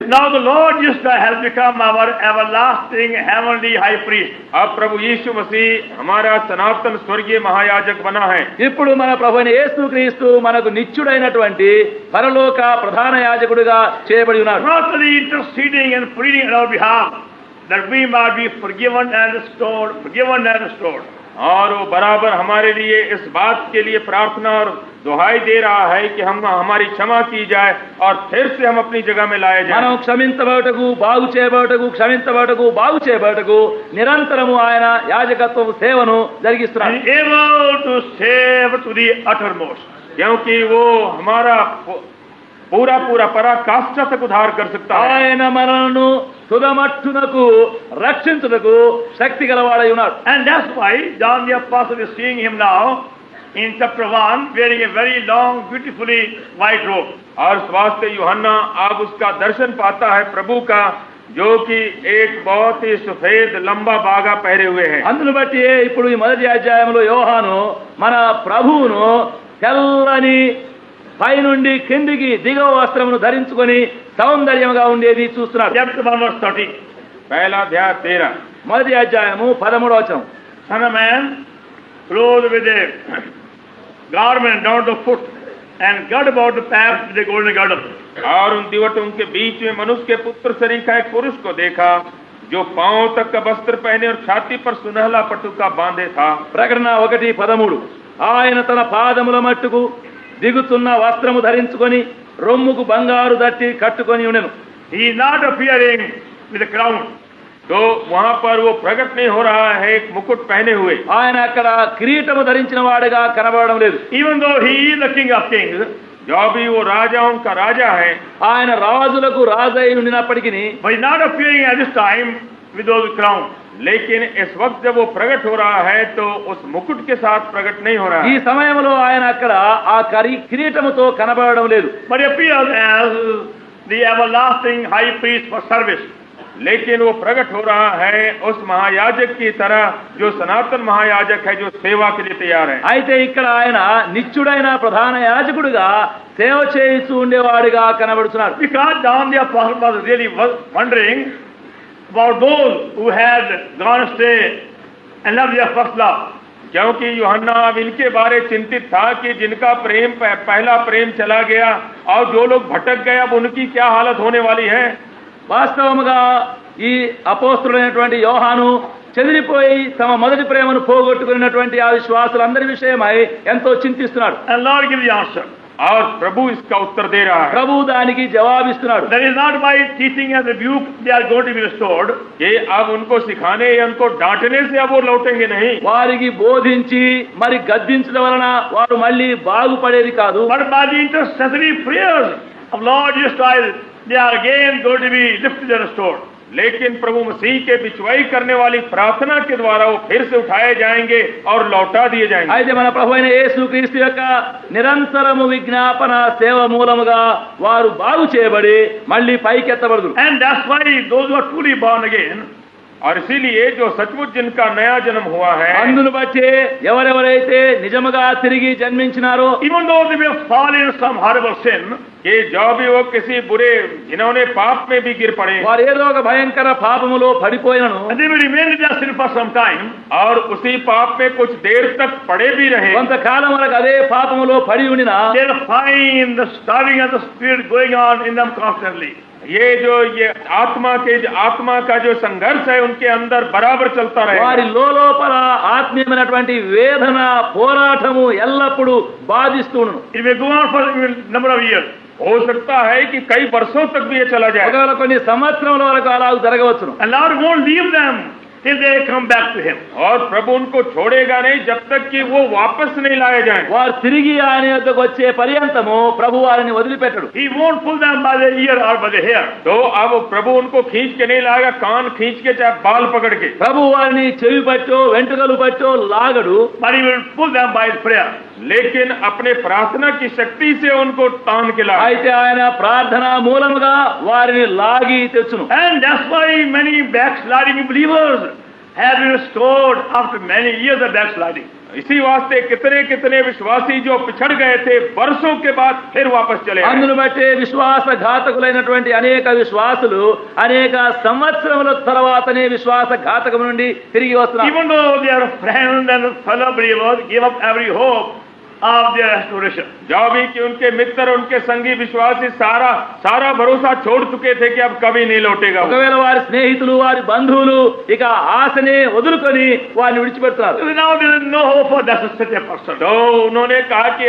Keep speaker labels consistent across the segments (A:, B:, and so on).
A: Now the Lord Jesus Christ has become our everlasting heavenly high priest.
B: अब प्रभु यीशु मसीह हमारा सनातन स्वर्गीय महायाजक बना है.
C: ఇప్పుడు మన ప్రభువైన యేసుక్రీస్తు మనకు నిత్యుడైనటువంటి పరలోక ప్రధాన యాజకుడిగా చేయబడి ఉన్నాడు.
A: Constantly interceding and pleading on our behalf that we might be forgiven and restored.
B: और वो बराबर हमारे लिए इस बात के लिए प्रार्थना और दुहाई दे रहा है कि हम हमारी क्षमा की जाए और फिर से हम अपनी जगह में लाए जाए.
C: మనం క్షమించబడటకు బాగు చేయబడటకు నిరంతరము ఆయన యాజకత్వ సేవను జరిగిస్తున్నాడు.
A: And able to save to the uttermost.
B: क्योंकि वो हमारा पूरा पराकाष्ठा तक उद्धार कर सकता है.
C: ఆయన మనలను తుదమట్టునకు రక్షించుటకు శక్తి గలవాడై ఉన్నాడు.
A: And that's why John the Apostle is seeing him now in chapter 1 wearing a very long beautifully white robe.
B: और स्वास्थ्य यूहन्ना अब उसका दर्शन पाता है प्रभु का, जो कि एक बहुत ही सफेद लंबा बागा पहरे हुए हैं.
C: అందును బట్టి ఇప్పుడు ఈ మొదటి అధ్యాయంలో యోహాను మన ప్రభువును తెల్లని పైనుండి కిందికి దిగువ వస్త్రమును ధరించుకొని సౌందర్యంగా ఉండేది చూస్తున్నాడు.
A: Chapter 1 verse 30.
B: पहला अध्याय 13.
C: మొదటి అధ్యాయము 13వ వచనం.
A: Son of man, clothed with a garment down to foot, and girt about the path with a golden girdle.
B: और उन दिवटों के बीच में मनुष्य के पुत्र शरीर का एक पुरुष को देखा, जो पांव तक का वस्त्र पहने और छाती पर सुनहला पटुका बांधे था.
C: ప్రకటన 1:13. ఆయన తన పాదముల మట్టుకు దిగుతున్న వస్త్రము ధరించుకొని రొమ్ముకు బంగారు దట్టి కట్టుకొని ఉండెను.
A: He is not appearing with a crown.
B: तो वहां पर वो प्रकट नहीं हो रहा है एक मुकुट पहने हुए.
C: ఆయన అక్కడ కిరీటము ధరించిన వాడుగా కనబడడం లేదు.
A: Even though he is the king of kings,
B: जो भी वो राजाओं का राजा है,
C: ఆయన రాజులకు రాజై ఉండినప్పటికీ
A: but he is not appearing at this time with those crown.
B: लेकिन इस वक्त जब वो प्रकट हो रहा है तो उस मुकुट के साथ प्रकट नहीं हो रहा
C: ఈ
B: है.
C: సమయంలో ఆయన అక్కడ ఆ కిరీటముతో కనబడడం లేదు.
A: But he appears as the everlasting high priest for service.
B: लेकिन वो प्रकट हो रहा है उस महायाजक की तरह जो सनातन महायाजक है, जो सेवा के लिए तैयार है.
C: అయితే ఇక్కడ ఆయన నిత్యుడైన ప్రధాన యాజకుడిగా సేవ చేయిస్తూ ఉండేవాడిగా కనబడుతున్నాడు.
A: Because John the Apostle was really wondering about those who had gone astray and left their first love.
B: क्योंकि यूहन्ना अब इनके बारे चिंतित था कि जिनका प्रेम पहला प्रेम चला गया और जो लोग भटक गए अब उनकी क्या हालत होने वाली है.
C: వాస్తవముగా ఈ అపోస్తులైనటువంటి యోహాను చెదిరిపోయి తమ మొదటి ప్రేమను పోగొట్టుకున్నటువంటి ఆ విశ్వాసులందరి విషయమై ఎంతో చింతిస్తున్నాడు.
A: And Lord gives the answer.
B: और प्रभु इसका उत्तर दे रहा है.
C: ప్రభు దానికి జవాబిస్తున్నాడు.
A: That is not by teaching and rebuke they are going to be restored.
B: कि अब उनको सिखाने या उनको डांटने से अब वो लौटेंगे नहीं.
C: వారికి బోధించి మరి గద్దించడం వలన వారు మళ్ళీ బాగుపడేది కాదు.
A: But by the intercessory prayers of Lord Jesus Christ, they are again going to be lifted and restored.
B: लेकिन प्रभु मसीह के बिचवाई करने वाली प्रार्थना के द्वारा वो फिर से उठाए जाएंगे और लौटा दिए जाएंगे.
C: అయితే మన ప్రభు అయిన యేసుక్రీస్తు యొక్క నిరంతరము విజ్ఞాపన సేవ మూలముగా వారు బాగు చేయబడి మళ్ళీ పైకెత్తబడుదురు.
A: And that's why those who are truly born again,
B: और इसीलिए जो सचमुच जिनका नया जन्म हुआ है,
C: అందును బట్టి ఎవరెవరైతే నిజముగా తిరిగి జన్మించినారో
A: even though they may fall in some horrible sin,
B: कि जो भी वो किसी बुरे जिन्होंने पाप में भी गिर पड़े
C: వారు ఏదో ఒక భయంకర పాపములో పడిపోయినను
A: and they may remain in their sin for some time,
B: और उसी पाप में कुछ देर तक पड़े भी रहे,
C: కొంతకాలం వరకు అదే పాపములో పడి ఉండినా
A: they'll find the stirring of the Spirit going on in them constantly.
B: ये आत्मा का जो संघर्ष है उनके अंदर बराबर चलता
C: వారి
B: रहेगा.
C: లోపల ఆత్మీయమైనటువంటి వేదన పోరాటము ఎల్లప్పుడూ బాధిస్తూను.
A: It may go on for a number of years.
B: हो सकता है कि कई वर्षों तक भी ये चला जाए.
C: ఒకవేళ కొన్ని సంవత్సరముల వరకు అలా జరగవచ్చును.
A: And Lord won't leave them till they come back to Him.
B: और प्रभु उनको छोड़ेगा नहीं जब तक कि वो वापस नहीं लाए जाएं.
C: వారు తిరిగి ఆయన యొద్దకు వచ్చే పర్యంతము ప్రభు వారిని వదిలిపెట్టడు.
A: He won't pull them by the ear or by the hair.
B: तो अब प्रभु उनको खींच के नहीं लाएगा, कान खींच के चाहे बाल पकड़ के,
C: ప్రభు వారిని చెవి పట్టో వెంట్రుకలు పట్టో లాగడు.
A: But He will pull them by His prayer.
B: लेकिन अपने प्रार्थना की शक्ति से उनको तान के लाए.
C: అయితే ఆయన ప్రార్థన మూలముగా వారిని లాగి తెచ్చును.
A: And that's why many backsliding believers have been restored after many years of backsliding.
B: इसी वास्ते कितने कितने विश्वासी जो पिछड़ गए थे वर्षों के बाद फिर वापस चले आए।
C: అందును బట్టి విశ్వాసఘాతకులైనటువంటి అనేక విశ్వాసులు అనేక సంవత్సరముల తర్వాతనే విశ్వాసఘాతకం నుండి తిరిగి వస్తున్నారు.
A: Even though their friends and fellow believers gave up every hope of their restoration.
B: जो भी कि उनके मित्र उनके संगी विश्वासी सारा भरोसा छोड़ चुके थे कि अब कभी नहीं लौटेगा।
C: ఒకవేళ వారి స్నేహితులు వారి బంధువులు ఇక ఆశనే వదులుకొని వారిని విడిచిపెడుతున్నారు.
A: Now there is no hope for that such a person.
B: तो उन्होंने कहा कि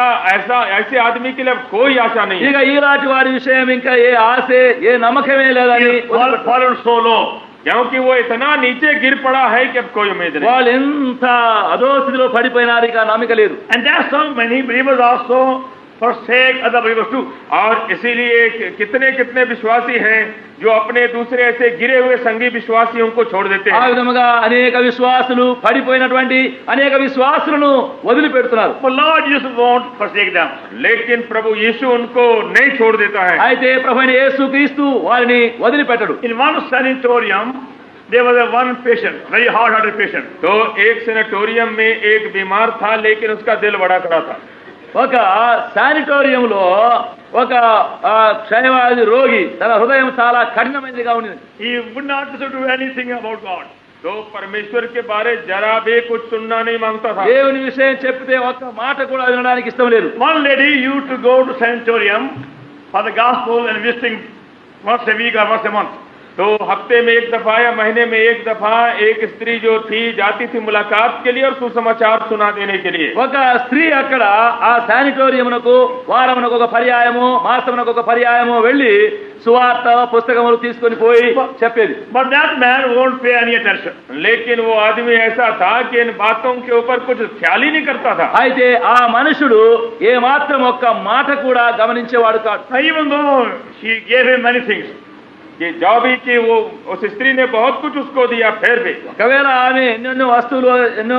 B: ऐसे आदमी के लिए कोई आशा नहीं है।
C: ఇక ఈలాంటి వారి విషయం ఇంకా ఏ ఆశ ఏ నమ్మకమే లేదని
A: Fallen so low.
B: क्योंकि वो इतना नीचे गिर पड़ा है कि अब कोई उम्मीद नहीं।
C: వాళ్ళు ఎంత అధోస్థితిలో పడిపోయినారు, ఇక నమ్మిక లేదు.
A: And that's how many believers also forsake other believers too.
B: और इसीलिए कितने कितने विश्वासी हैं जो अपने दूसरे ऐसे गिरे हुए संगी विश्वासियों को छोड़ देते
C: ఆ
B: हैं।
C: విధముగా అనేక విశ్వాసులు పడిపోయినటువంటి అనేక విశ్వాసులను వదిలిపెడుతున్నారు.
A: But Lord Jesus won't forsake them.
B: लेकिन प्रभु यीशु उनको नहीं छोड़ देता है।
C: అయితే ప్రభువైన యేసుక్రీస్తు వారిని వదిలిపెట్టడు.
A: In one sanatorium, there was a one patient, very hard-hearted patient.
B: तो एक सेनेटोरियम में एक बीमार था लेकिन उसका दिल बड़ा कड़ा था।
C: ఒక శానిటోరియంలో ఒక క్షయవ్యాధి రోగి తన హృదయం చాలా కఠినమైనదిగా ఉంది.
A: He would not listen to anything about God.
B: तो परमेश्वर के बारे जरा भी कुछ सुनना नहीं मांगता था।
C: దేవుని విషయం చెప్తే ఒక్క మాట కూడా వినడానికి ఇష్టం లేదు.
A: One lady used to go to sanatorium for the gospel and visiting once a week or once a month.
B: तो हफ्ते में एक दफा या महीने में एक दफा एक स्त्री जो थी जाती थी मुलाकात के लिए और सुसमाचार सुना देने के लिए।
C: ఒక స్త్రీ అక్కడ ఆ శానిటోరియంకు వారమునకు ఒక పర్యాయము మాసమునకు ఒక పర్యాయము వెళ్లి సువార్త పుస్తకములు తీసుకొని పోయి చెప్పేది.
A: But that man won't pay any attention.
B: लेकिन वो आदमी ऐसा था कि इन बातों के ऊपर कुछ ख्याल ही नहीं करता था।
C: అయితే ఆ మనుషుడు ఏ మాత్రం ఒక్క మాట కూడా గమనించేవాడు కాదు.
A: Even though she gave him many things.
B: कि जो भी कि वो उस स्त्री ने बहुत कुछ उसको दिया फिर भी
C: ఒకవేళ ఆమె ఎన్నెన్నో వస్తువులు ఎన్నో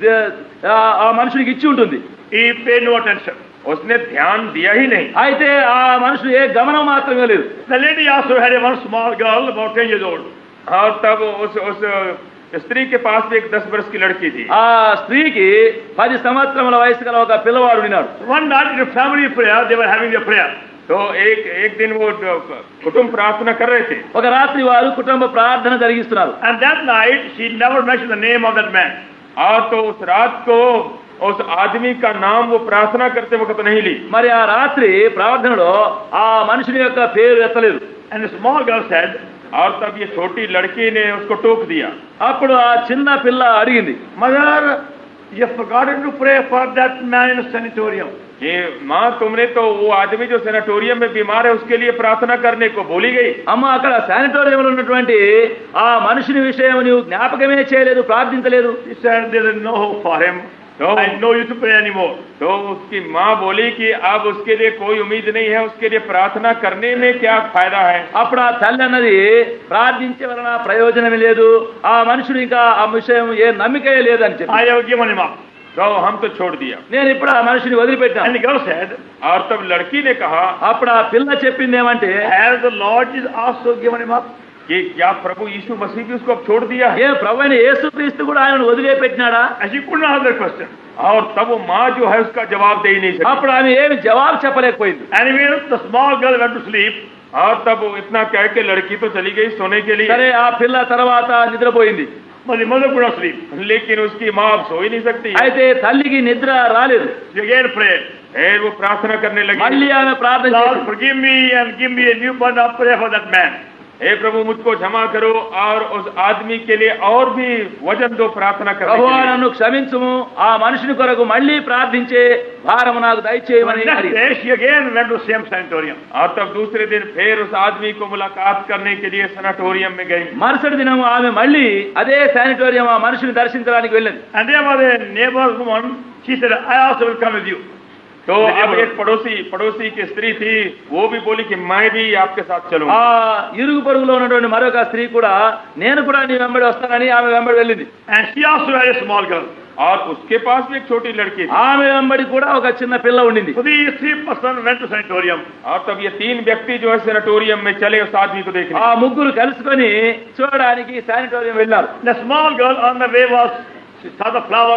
C: ఆ మనుషుడికి ఇచ్చి ఉంటుంది.
A: He paid no attention.
B: उसने ध्यान दिया ही नहीं।
C: అయితే ఆ మనుషుడు ఏ గమనం మాత్రమే లేదు.
A: The lady also had a one small girl about 10 years old.
B: और तब उस स्त्री के पास भी एक 10 वर्ष की लड़की थी।
C: ఆ స్త్రీకి 10 సంవత్సరముల వయసు గల ఒక పిల్లవాడు ఉన్నాడు.
A: One night in a family prayer, they were having a prayer.
B: तो एक दिन वो कुटुंब प्रार्थना कर रहे थे।
C: ఒక రాత్రి వారు కుటుంబ ప్రార్థన జరిగిస్తున్నారు.
A: And that night, she never mentioned the name of that man.
B: और तो उस रात को उस आदमी का नाम वो प्रार्थना करते वक्त नहीं ली।
C: మరి ఆ రాత్రి ప్రార్థనలో ఆ మనుషుని యొక్క పేరు ఎత్తలేదు.
A: And the small girl said,
B: और तब ये छोटी लड़की ने उसको टोक दिया।
C: అప్పుడు ఆ చిన్న పిల్ల అడిగింది,
A: Mother, you have forgotten to pray for that man in the sanatorium.
B: कि माँ तुमने तो वो आदमी जो सेनेटोरियम में बीमार है उसके लिए प्रार्थना करने को भूली गई।
C: అమ్మ అక్కడ శానిటోరియంలో ఉన్నటువంటి ఆ మనుషుని విషయం నీవు జ్ఞాపకమే చేయలేదు, ప్రార్థించలేదు.
A: She said, there is no hope for him. I know you to pray anymore.
B: तो उसकी माँ बोली कि अब उसके लिए कोई उम्मीद नहीं है, उसके लिए प्रार्थना करने में क्या फायदा है।
C: అప్పుడు ఆ తల్లి అన్నది ప్రార్థించే వలన ప్రయోజనమే లేదు, ఆ మనుషుడు ఇంకా ఆ విషయం ఏ నమ్మికే లేదు అని చెప్పి.
A: I have given him up.
B: तो हम तो छोड़ दिया।
C: నేను ఇప్పుడు ఆ మనిషిని
A: And
C: వదిలిపెట్టాను.
A: the girl said,
B: और तब लड़की ने कहा
C: అప్పుడు ఆ పిల్ల చెప్పింది ఏమంటే,
A: has the Lord Jesus also given him up?
B: कि क्या प्रभु यीशु मसीह भी उसको अब छोड़ दिया है।
C: ఏ ప్రభువైన యేసుక్రీస్తు కూడా ఆయనను వదిలిపెట్టినాడా?
A: And she couldn't answer that question.
B: और तब वो माँ जो है उसका जवाब दे ही नहीं सकी।
C: అప్పుడు ఆమె ఏమి జవాబు చెప్పలేకపోయింది.
A: Anyway, the small girl went to sleep.
B: और तब वो इतना कह के लड़की तो चली गई सोने के लिए।
C: సరే ఆ పిల్ల తర్వాత నిద్రపోయింది.
A: But the mother could not sleep.
B: लेकिन उसकी माँ अब सो ही नहीं सकती।
C: అయితే తల్లికి నిద్ర రాలేదు.
A: She again prayed,
B: फिर वो प्रार्थना करने लगी,
C: మళ్ళీ ఆమె ప్రార్థన
A: Lord,
C: చేసింది.
A: forgive me and give me a new burden of prayer for that man.
B: हे प्रभु मुझको क्षमा करो और उस आदमी के लिए और भी वजन दो प्रार्थना करने
C: ప్రభువా
B: के लिए।
C: నన్ను క్షమించుము, ఆ మనుషుని కొరకు మళ్ళీ ప్రార్థించే భారము నాకు దయచేయమని
A: Next
C: అడిగింది.
A: day, she again went to same sanatorium.
B: और तब दूसरे दिन फिर उस आदमी को मुलाकात करने के लिए सनाटोरियम में गई।
C: మరుసటి దినం ఆమె మళ్ళీ అదే శానిటోరియం ఆ మనుషుని దర్శించడానికి వెళ్ళింది.
A: And there was a neighbor woman. She said, I also will come with you.
B: तो अब एक पड़ोसी की स्त्री थी, वो भी बोली कि मैं भी आपके साथ
C: ఆ
B: चलूंगा।
C: ఇరుగు పొరుగులో ఉన్నటువంటి మరొక స్త్రీ కూడా నేను కూడా నీ వెంబడి వస్తానని ఆమె వెంబడి వెళ్ళింది.
A: And she also had a small girl.
B: और उसके पास भी एक छोटी लड़की थी।
C: ఆమె వెంబడి కూడా ఒక చిన్న పిల్ల ఉండింది.
A: So these three persons went to sanatorium.
B: और तब ये 3 व्यक्ति जो है सेनेटोरियम में चले उस आदमी को देखने।
C: ఆ ముగ్గురు కలుసుకొని చూడడానికి శానిటోరియం వెళ్ళారు.
A: The small girl on the way she saw the flower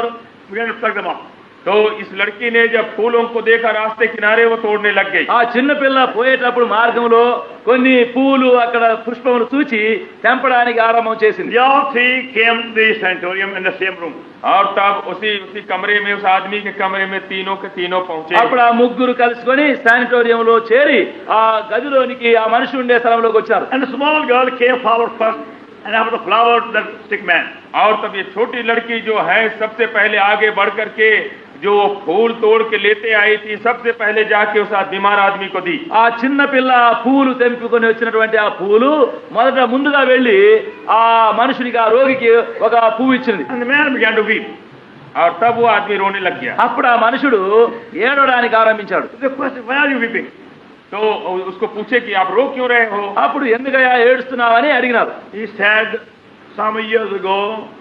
A: began to pluck them up.
B: तो इस लड़की ने जब फूलों को देखा रास्ते किनारे वो तोड़ने लग गई।
C: ఆ చిన్న పిల్ల పోయేటప్పుడు మార్గంలో కొన్ని పూలు అక్కడ పుష్పములు చూచి తెంపడానికి ఆరంభం చేసింది.
A: They all three came to the sanatorium in the same room.
B: और तब उसी कमरे में उस आदमी के कमरे में तीनों के तीनों पहुंचे।
C: అప్పుడు ఆ ముగ్గురు కలుసుకొని శానిటోరియంలో చేరి ఆ గదిలోనికి ఆ మనిషి ఉండే స్థలంలోకి వచ్చారు.
A: And the small girl came forward first and after the flower that stick man.
B: और तब ये छोटी लड़की जो है सबसे पहले आगे बढ़ करके जो फूल तोड़ के लेते आई थी सबसे पहले जाके उस बीमार आदमी को दी।
C: ఆ చిన్న పిల్ల పూలు తెంపుకొని వచ్చినటువంటి ఆ పూలు మొదట ముందుగా వెళ్లి ఆ మనుషునికి ఆ రోగికి ఒక పువ్వు ఇచ్చింది.
A: And the man began to weep.
B: और तब वो आदमी रोने लग गया।
C: అప్పుడు ఆ మనుషుడు ఏడవడానికి ఆరంభించాడు.
A: The question, why are you weeping?
B: तो उसको पूछे कि आप रो क्यों रहे हो?
C: అప్పుడు ఎందుకయ్యా ఏడుస్తున్నావని అడిగినారు.
A: He said, some years ago,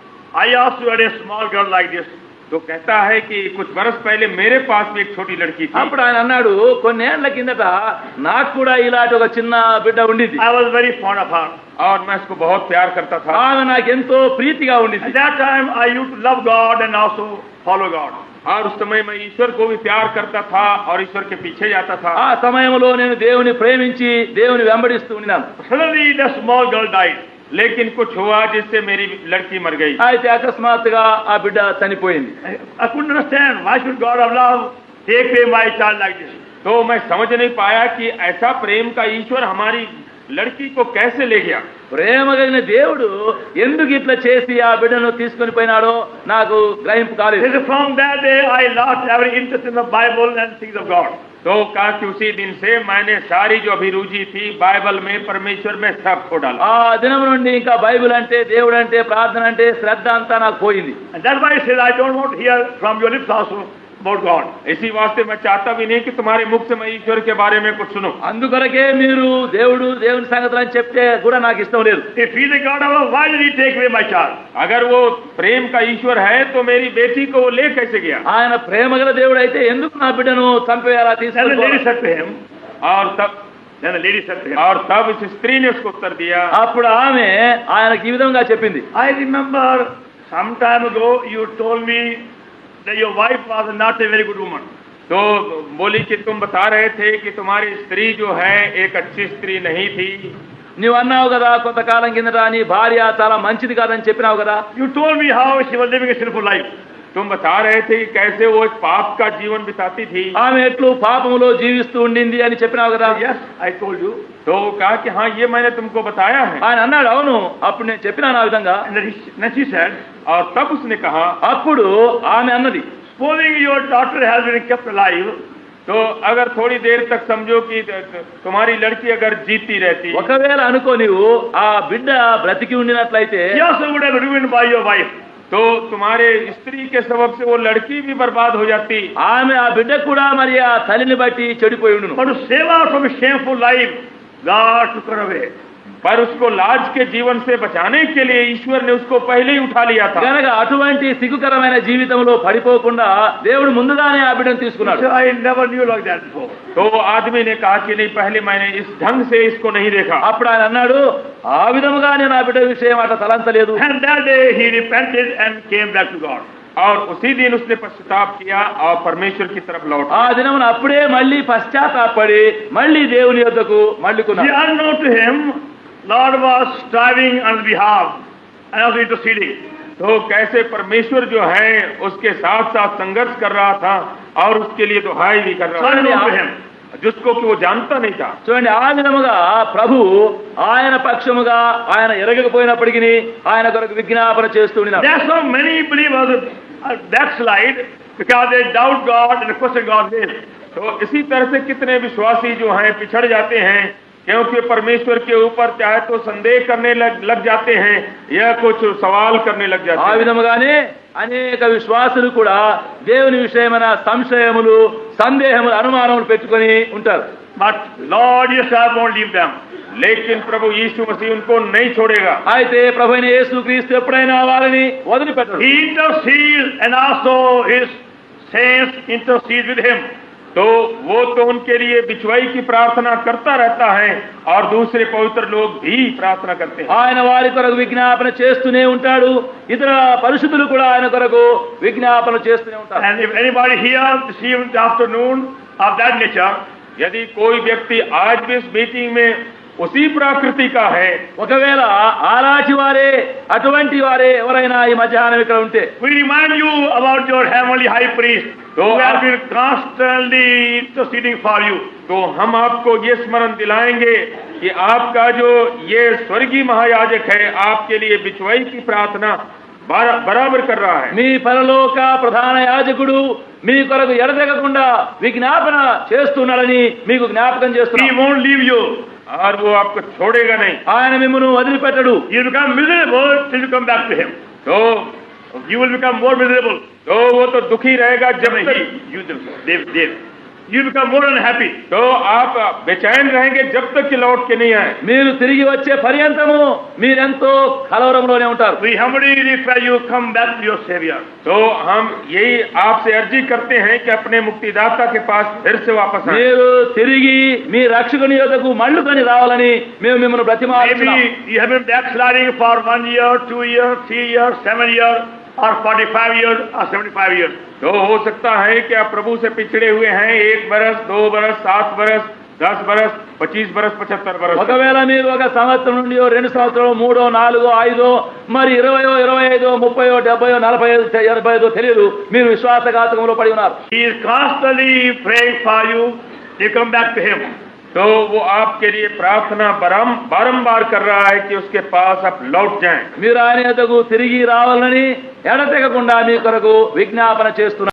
A: I also had a small girl like this.
B: तो कहता है कि कुछ बरस पहले मेरे पास भी एक छोटी लड़की थी।
C: అప్పుడు ఆయన అన్నాడు, కొన్నేళ్ల కిందట నాకు కూడా ఇలాంటి ఒక చిన్న బిడ్డ ఉండేది.
A: I was very fond of her.
B: और मैं उसको बहुत प्यार करता था।
C: ఆమె నాకు ఎంతో ప్రీతిగా ఉండేది.
A: At that time, I used to love God and also follow God.
B: और उस समय मैं ईश्वर को भी प्यार करता था और ईश्वर के पीछे जाता था।
C: ఆ సమయంలో నేను దేవుని ప్రేమించి దేవుని వెంబడిస్తూ ఉన్నాను.
A: Suddenly, the small girl died.
B: लेकिन कुछ हुआ जिससे मेरी लड़की मर गई।
C: అయితే అకస్మాత్తుగా ఆ బిడ్డ చనిపోయింది.
A: I couldn't understand why should God of love take away my child like this.
B: तो मैं समझ नहीं पाया कि ऐसा प्रेम का ईश्वर हमारी लड़की को कैसे ले गया।
C: ప్రేమ కలిగిన దేవుడు ఎందుకు ఇట్లా చేసి ఆ బిడ్డను తీసుకొని పోయినాడో నాకు గ్రహింపు కాలేదు.
A: From that day, I lost every interest in the Bible and things of God.
B: तो कहा कि उसी दिन से मैंने सारी जो अभिरुचि थी बाइबल में परमेश्वर में सब खो डाला।
C: ఆ దినం నుండి ఇంకా బైబిల్ అంటే దేవుడు అంటే ప్రార్థన అంటే శ్రద్ధ అంతా నాకు పోయింది.
A: And that's why I said I don't want to hear from your lips also about God.
B: इसी वास्ते मैं चाहता भी नहीं कि तुम्हारे मुख से मैं ईश्वर के बारे में कुछ सुनूं।
C: అందుకొరకే మీరు దేవుడు దేవుని సంగతులు అని చెప్తే కూడా నాకు ఇష్టం లేదు.
A: If he is the God of love, why did he take away my child?
B: अगर वो प्रेम का ईश्वर है तो मेरी बेटी को वो ले कैसे गया?
C: ఆయన ప్రేమ గల దేవుడు అయితే ఎందుకు నా బిడ్డను చంపేయాలా
A: Then the lady
C: తీసుకొని?
A: said to him,
B: और तब इस स्त्री ने उसको उत्तर दिया।
C: అప్పుడు ఆమె ఆయనకి ఈ విధంగా చెప్పింది,
A: I remember some time ago you told me that your wife was not a very good woman.
B: तो बोली कि तुम बता रहे थे कि तुम्हारी स्त्री जो है एक अच्छी स्त्री नहीं थी।
C: నువ్వు అన్నావు కదా కొంతకాలం కిందట నీ భార్య చాలా మంచిది కాదని చెప్పినావు కదా.
A: You told me how she was living a sinful life.
B: तुम बता रहे थे कि कैसे वो एक पाप का जीवन बिताती थी।
C: ఆమె ఎట్లు పాపములో జీవిస్తూ ఉండింది అని చెప్పినావు కదా.
A: Yes, I told you.
B: तो कहा कि हाँ ये मैंने तुमको बताया है।
C: ఆయన అన్నాడు, అవును అప్పుడు నేను చెప్పినాను ఆ విధంగా.
A: And then she said,
B: और तब उसने कहा,
C: అప్పుడు ఆమె అన్నది,
A: supposing your daughter has been kept alive,
B: तो अगर थोड़ी देर तक समझो कि तुम्हारी लड़की अगर जीती रहती,
C: ఒకవేళ అనుకో నీవు ఆ బిడ్డ బ్రతికి ఉండినట్లయితే
A: she also would have been ruined by your wife.
B: तो तुम्हारे स्त्री के सबब से वो लड़की भी बर्बाद हो जाती।
C: ఆమె ఆ బిడ్డ కూడా మరి ఆ తల్లిని బట్టి చెడిపోయి ఉండును.
A: But to save her from a shameful life, God took her away.
B: पर उसको लाज के जीवन से बचाने के लिए ईश्वर ने उसको पहले ही उठा लिया था।
C: కనుక అటువంటి సిగ్గుకరమైన జీవితంలో పడిపోకుండా దేవుడు ముందుగానే ఆ బిడ్డను తీసుకున్నాడు.
A: So I never knew like that before.
B: तो आदमी ने कहा कि नहीं पहले मैंने इस ढंग से इसको नहीं देखा।
C: అప్పుడు ఆయన అన్నాడు, ఆ విధముగా నేను ఆ బిడ్డ విషయం అట్లా తలంచలేదు.
A: And that day he repented and came back to God.
B: और उसी दिन उसने पश्चाताप किया और परमेश्वर की तरफ लौट
C: ఆ దినమున అప్పుడే మళ్ళీ పశ్చాత్తాపడి మళ్ళీ దేవుని యొద్దకు మళ్ళుకున్నాడు.
A: See, unknown to him, Lord was striving on his behalf and also interceding.
B: तो कैसे परमेश्वर जो है उसके साथ साथ संघर्ष कर रहा था और उसके लिए दुहाई भी कर रहा था,
A: Unknown to him.
B: जिसको कि वो जानता नहीं था।
C: చూడండి, ఆ విధముగా ప్రభు ఆయన పక్షముగా ఆయన ఎరగకపోయినప్పటికీ ఆయన కొరకు విజ్ఞాపన చేస్తూ ఉన్నారు.
A: That's how many believers backslide because they doubt God and question God's will.
B: तो इसी तरह से कितने विश्वासी जो हैं पिछड़ जाते हैं क्योंकि परमेश्वर के ऊपर चाहे तो संदेह करने लग जाते हैं या कुछ सवाल करने लग जाते
C: ఆ
B: हैं।
C: విధముగానే అనేక విశ్వాసులు కూడా దేవుని విషయమైన సంశయములు సందేహములు అనుమానములు పెట్టుకొని ఉంటారు.
A: But Lord yourself won't leave them.
B: लेकिन प्रभु यीशु मसीह उनको नहीं छोड़ेगा।
C: అయితే ప్రభువైన యేసుక్రీస్తు ఎప్పుడైనా వారిని వదిలిపెట్టడు.
A: He intercedes and also his saints intercede with him.
B: तो वो तो उनके लिए बिछुआई की प्रार्थना करता रहता है और दूसरे पवित्र लोग भी प्रार्थना करते हैं।
C: ఆయన వారి కొరకు విజ్ఞాపన చేస్తూనే ఉంటాడు, ఇతర పరిశుద్ధులు కూడా ఆయన కొరకు విజ్ఞాపన చేస్తూనే ఉంటారు.
A: And if anybody here this afternoon of that nature,
B: यदि कोई व्यक्ति आज भी इस मीटिंग में उसी प्रकृति का है,
C: ఒకవేళ ఆరాచి వారే అటువంటి వారే ఎవరైనా ఈ మధ్యాహ్నం ఇక్కడ ఉంటే,
A: we remind you about your heavenly high priest who has been constantly interceding for you.
B: तो हम आपको ये स्मरण दिलाएंगे कि आपका जो ये स्वर्गीय महायाजक है आपके लिए बिछुआई की प्रार्थना बराबर कर रहा है.
C: మీ పరలోక ప్రధాన యాజకుడు మీ కొరకు ఎడతెగకుండా విజ్ఞాపన చేస్తున్నాడని మీకు జ్ఞాపకం
A: He
C: చేస్తున్నాడు.
A: won't leave you.
B: और वो आपको छोड़ेगा नहीं.
C: ఆయన మిమ్మల్ని వదిలిపెట్టడు.
A: You will become miserable till you come back to him.
B: तो
A: You will become more miserable.
B: वो तो दुखी रहेगा जब तक,
A: You become more unhappy.
B: तो आप बेचैन रहेंगे जब तक कि लौट के नहीं आए.
C: మీరు తిరిగి వచ్చే పర్యంతము మీరెంతో కలవరంలోనే ఉంటారు.
A: We humbly request you come back to your Savior.
B: तो हम यही आपसे अर्जी करते हैं कि अपने मुक्तिदाता के पास फिर से वापस आए.
C: మీరు తిరిగి మీ రక్షకుని యొద్దకు మళ్ళుకొని రావాలని మేము మిమ్మల్ని బ్రతిమాలుతున్నాం.
A: Maybe you have been backsliding for 1 year, 2 years, 3 years, 7 years, or 45 years, or 75 years.
B: तो हो सकता है कि आप प्रभु से पिछड़े हुए हैं 1 बरस, 2 बरस, 7 बरस, 10 बरस, 25 बरस, 75 बरस.
C: ఒకవేళ మీరు 1 సంవత్సరం నుండి 2 సంవత్సరాలు 3, 4, 5 మరి 20, 25, 30, 70, 45, 85 తెలియదు, మీరు విశ్వాసఘాతకంలో పడి ఉన్నారు.
A: He is constantly praying for you. You come back to him.
B: तो वो आपके लिए प्रार्थना बारंबार कर रहा है कि उसके पास आप लौट जाएं.
C: మీరు ఆయన యొద్దకు తిరిగి రావాలని ఎడతెగకుండా మీ కొరకు విజ్ఞాపన చేస్తున్నారు.